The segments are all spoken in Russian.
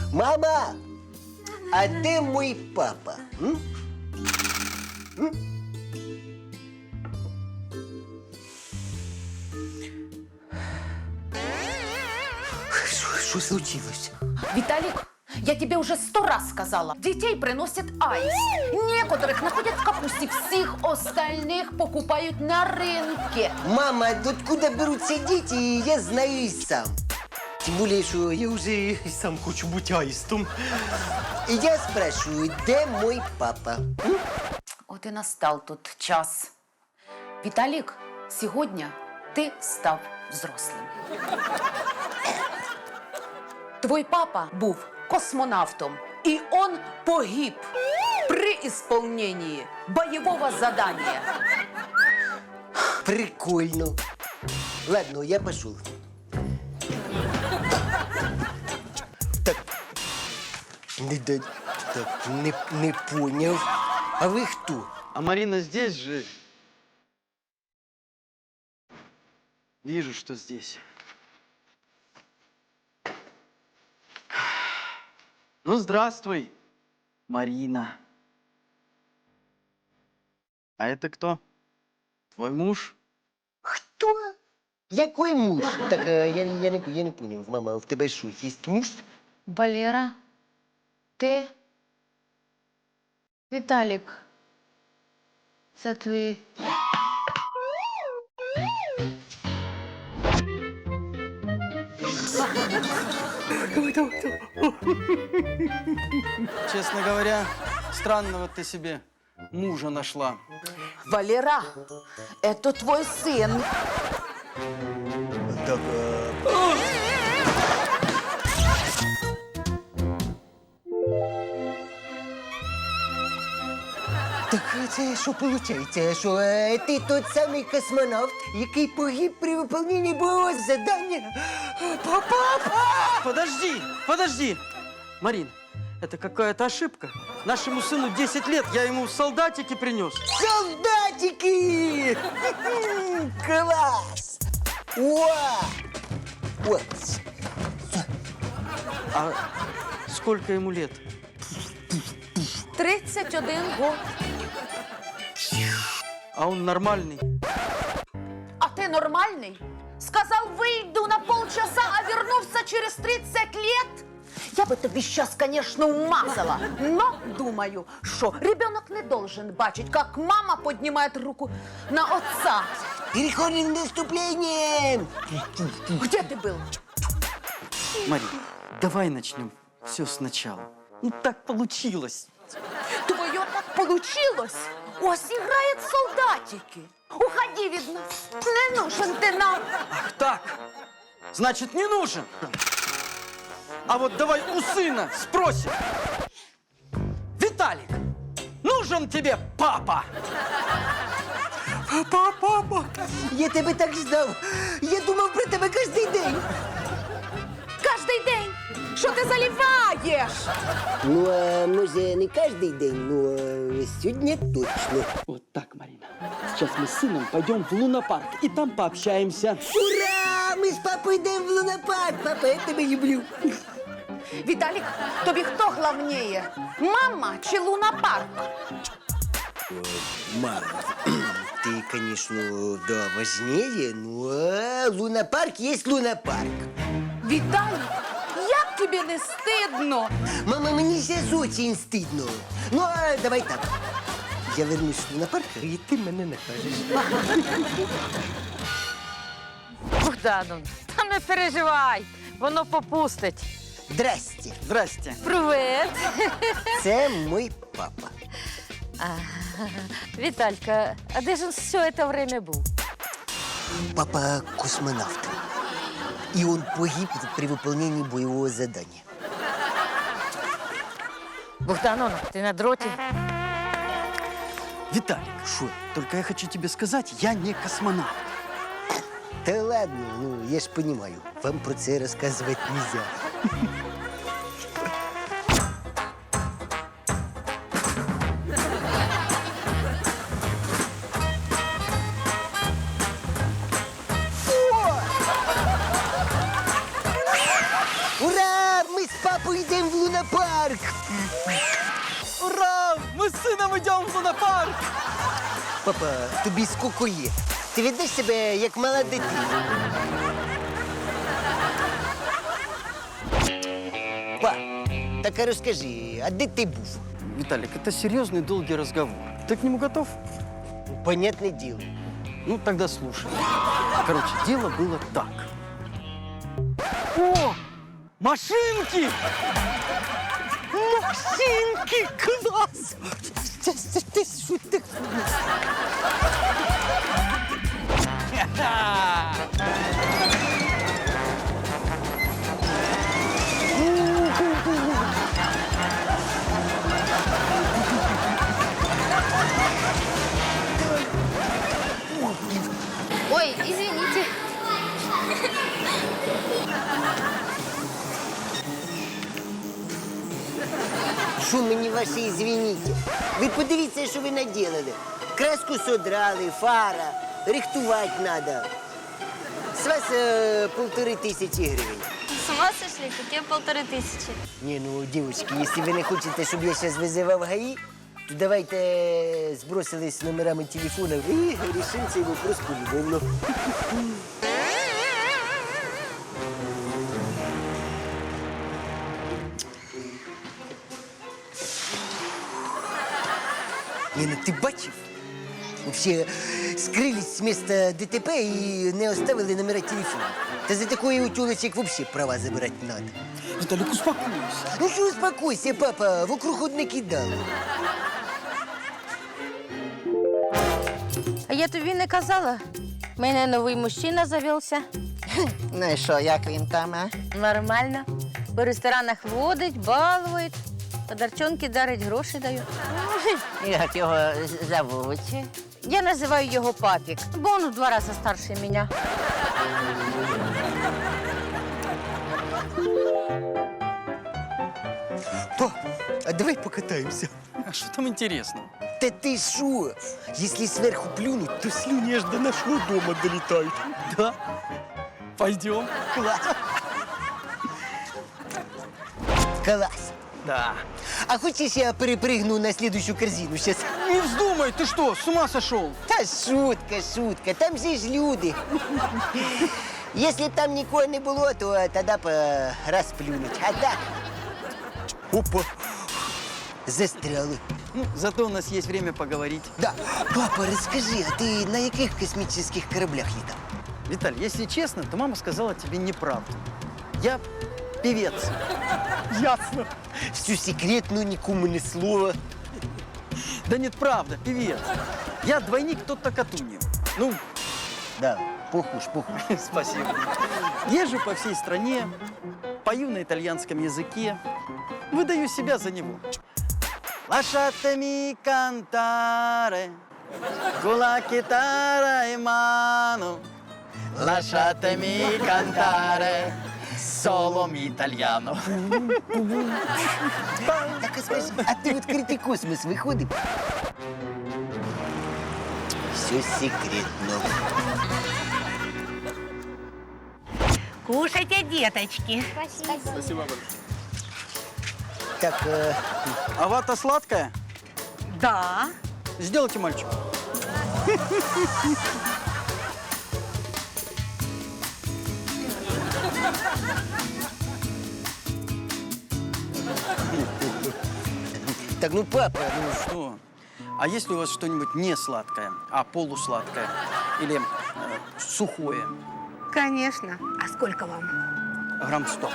Мама, а де мій папа? М? Що случилось? Виталик, я тебе уже 100 раз сказала. Детей приносит аист. Некоторых находят в капусте, всех остальных покупают на рынке. Мама, откуда беруться дети, я знаю и сам. Тем более, что я уже и сам хочу быть аистом. И я спрашиваю, где мой папа? М? Вот и настал тот час. Виталик, сегодня ты став взрослым. Твой папа був космонавтом, и он погиб при исполнении боевого задания. Прикольно. Ладно, я пошел. Так, не понял. А вы кто? А Марина здесь же? Вижу, что здесь. Ну, здравствуй, Марина. А это кто? Твой муж? Кто? Який муж? Так, я не понял. Мама, в тебе що, є муж? Валера, ти? Віталік, це твій. Честно говоря, странного ты себе мужа нашла. Валера, это твой сын. Так, Так це що виходить? Що ти тот самий космонавт, який погиб при виконанні бойового завдання? Папа! Подожди! Марин, это какая-то ошибка. Нашему сыну 10 лет, я ему солдатики принес. Солдатики! Класс! Уа! Вот. А сколько ему лет? 31 год. А он нормальный. А ты нормальный? Сказал, выйду на полчаса, а вернулся через 30 лет? Я бы тебе сейчас, конечно, умазала, но думаю, что ребенок не должен бачить, как мама поднимает руку на отца. Переходим к наступлениям! Где ты был? Марин, давай начнем все сначала. Ну так получилось. Твое так получилось? Ось играет солдатики. Уходи, видно. Не нужен ты нам. Ах так, значит, не нужен. А вот давай у сына спросим. Виталик, нужен тебе папа? Папа! Я тебе так ждав! Я думав про тебе кожен день! Каждый день. Что ты заливаешь? Ну, а може, не кожен день, но сьогодні точно. Вот так, Марина. Сейчас мы с сыном пойдем в лунопарк и там пообщаемся. Ура! Ми з папою йдемо в лунопарк! Папа, я тебе люблю! Виталик, тобі хто главнее? Мама чи лунопарк? Мама, ты, конечно, да, важнее, но лунопарк есть лунопарк. Виталик, як тобі не стидно? Мама, мені сейчас очень стыдно. Ну, а давай так. Я вернусь в лунопарк, и ты мене накажеш. Богдану, та не переживай, воно попустить. Здрасте. Здрасте. Привет. Це мой папа. Віталька, а де ж він все це время був? Папа космонавт. И он погиб при выполнении боевого задания. Богдановна, ти на дроті? Виталик, Шо? только я хочу тебе сказать, я не космонавт. Да ладно, ну я ж понимаю, вам про це рассказывать нельзя. Ура! Мы с з папою йдемо в лунопарк. Ура! Мы с сыном идем в лунопарк! Папа, тобі скільки є? Ти ведеш себе як мала дитина. Па, так а розкажи, а де ти був? Виталик, это серьезный долгий разговор. Ты к нему готов? Понятне діло. Ну, тогда слушай. Короче, дело было так. О! Машинки! Машинки, клас! Ти що так? Ой, извините. Що мені ваші извините? Ви подивіться, що ви наділили. Краску содрали, фара, рихтувати треба. З вас 1500 гривень. С ума сошли? Какие 1500? Не, ну, девочки, если вы не хотите, чтобы я сейчас вызывал ГАИ, то давайте сбросились номерами телефонов и решим цей вопрос полюбовно. Не, ну ти бачив? Вообще скрылись с места ДТП и не оставили номера телефона. Та за такое у тёлочек вообще права забирать надо. Виталик, успокойся. Ну що успокойся, папа, вокруг одне кидало. А я тобі не казала? У мене новий мужчина завівся. Ну і що, як він там, а? Нормально. По ресторанах водить, балують, подарчонки дарить, гроші дають. Як його зовуть? Я називаю його папік, бо він в 2 рази старше мене. Па, а давай покатаемся. А что там интересного? Да ты шо? Если сверху плюнуть, то слюни аж до нашего дома долетают. Да? Пойдем. Класс. Класс. Да. А хочешь, я перепрыгну на следующую корзину сейчас? Не вздумай, ты что, с ума сошел? Та шутка, шутка. Там же ж люди. Если б там никого не было, то тогда бы расплюнуть. А так... Опа. Застряли. Ну, зато у нас есть время поговорить. Да. Папа, расскажи, а ты на каких космических кораблях летал? Виталий, если честно, то мама сказала тебе неправду. Я певец. Ясно. Всю секретную, никому ни слова. Да нет, правда, певец. Я двойник Тотто Катуньо. Ну, Да, похож. спасибо. Езжу по всей стране, пою на итальянском языке, выдаю себя за него. Lasciatemi cantare con la chitarra in mano. Lasciatemi cantare solo italiano. Так а скажи, а ты в открытый космос выходишь? Все секретно. Кушайте, деточки. Так, А вата сладкая? Да. Сделайте мальчику. так, ну папа, Ну что? А если у вас что-нибудь не сладкое, а полусладкое? Или сухое? Конечно. А сколько вам? Грамм 100.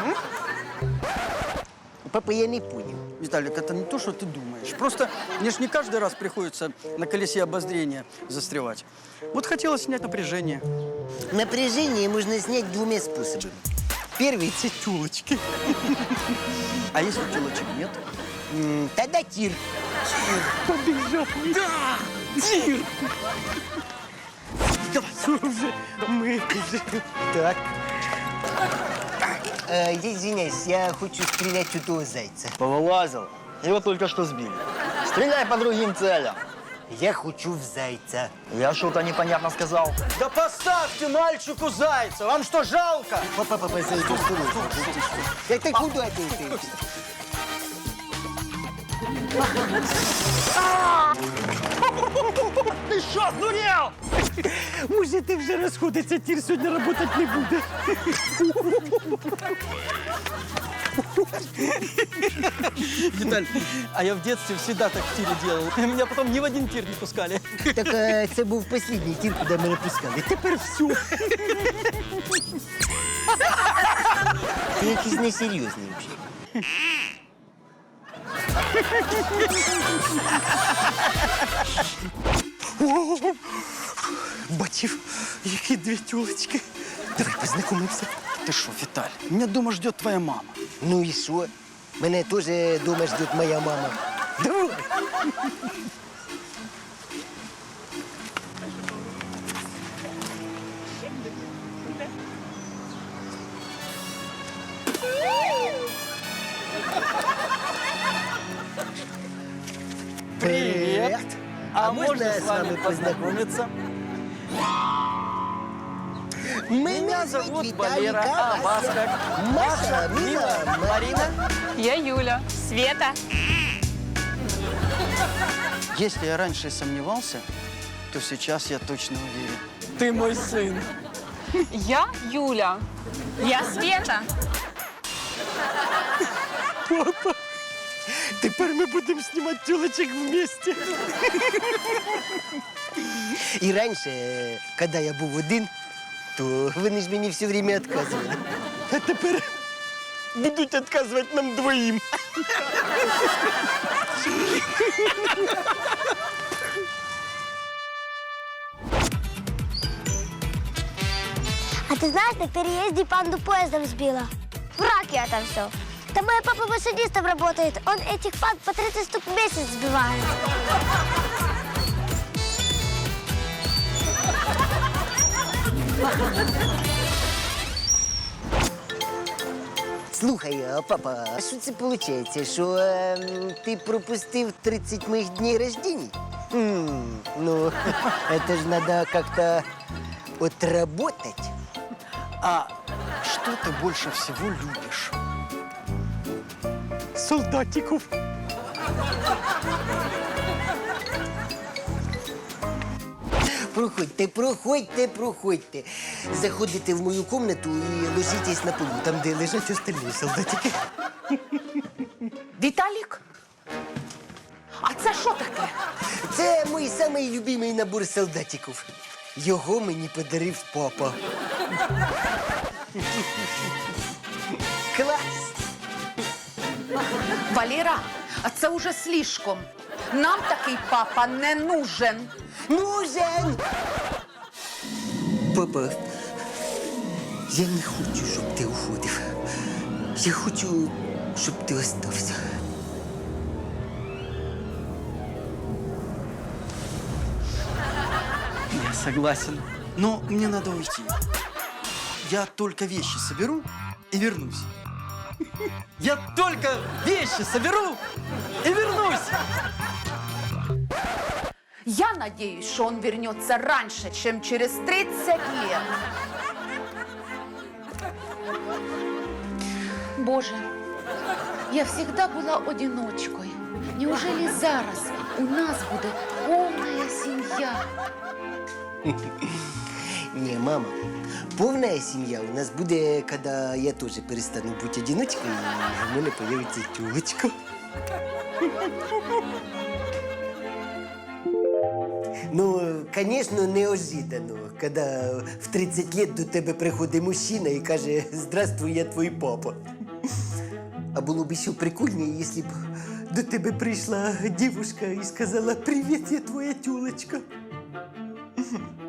папа, я не понял. Виталик, это не то, что ты думаешь. Просто мне ж не каждый раз приходится на колесе обозрения застревать. Вот хотелось снять напряжение. Напряжение можно снять 2 способами. Первый – это тёлочки. А если телочек нет? Тогда тир. Побежал. Да! Тир! Давай, уже, мы уже. Так. Я извиняюсь, я хочу стрелять у того зайца. Повылазил. Его только что сбили. Стреляй по другим целям. Я хочу в зайца. Я что-то непонятно сказал. Да поставьте мальчику зайца! Вам что, жалко? Папа, зайду с тобой. Это куда ты? Ты что, сдурел? Може, ти вже розходиться, тір сьогодні працювати не буде. Виталь, а я в детстве всегда так в тире делал. Меня потом ни в один тир не пускали. Так це був останній тір, куди мене пускали. Тепер все. Ти якийсь несерйозний взагалі. Бачив, які дві тюлечки. Давай познайомимося. Ты что, Виталь, меня дома ждет твоя мама. Ну і що? Мене теж дома ждет моя мама. Давай. Привет. А можно с вами познакомиться? Меня зовут Валера, а вас как? Маша, Мила, Марина. Я Юля. Света. Если я раньше сомневался, то сейчас я точно уверен. Ты мой сын. Я Юля. Я Света. Тепер ми будемо знімати тюлечок вместе. І раніше, коли я був один, то вони ж мені все время відказували. А тепер будуть відказувати нам двоїм. А ты знаешь, на переезде панду поездом сбила? Враг я там все. Там мой папа машинистом работает. Он этих панд по 30 штук в месяц сбивает. Слухай, а, папа, а що це виходить, що ти пропустив 30 моїх днів рождения? Ну, это ж надо как-то отработать. А что ты больше всего любишь? Солдатиков. Проходьте. Заходите в мою комнату і ложитесь на полу, там, де лежать остальні солдатики. Віталік? А це що таке? Це мій самий любимий набор солдатиків. Його мені подарив папа. Клас! Валера, а це уже слишком. Нам такий папа не нужен. Нужен! Папа, я не хочу, щоб ти уходив. Я хочу, щоб ти остався. Я согласен. Но мне надо уйти. Я только вещи соберу и вернусь. Я только вещи соберу и вернусь. Я надеюсь, что он вернется раньше, чем через 30 лет. Боже, я всегда была одиночкой. Неужели зараз у нас буде повна сім'я? Не, мама, повная семья у нас будет, когда я тоже перестану быть одиночкой, и у меня появится тёлочка. Ну, конечно, неожиданно, когда в 30 лет до тебе приходить мужчина и каже «Здравствуй, я твой папа». А було б ще прикольніше, якщо б до тебе прийшла дівчинка і сказала «Привіт, я твоя тюлечка».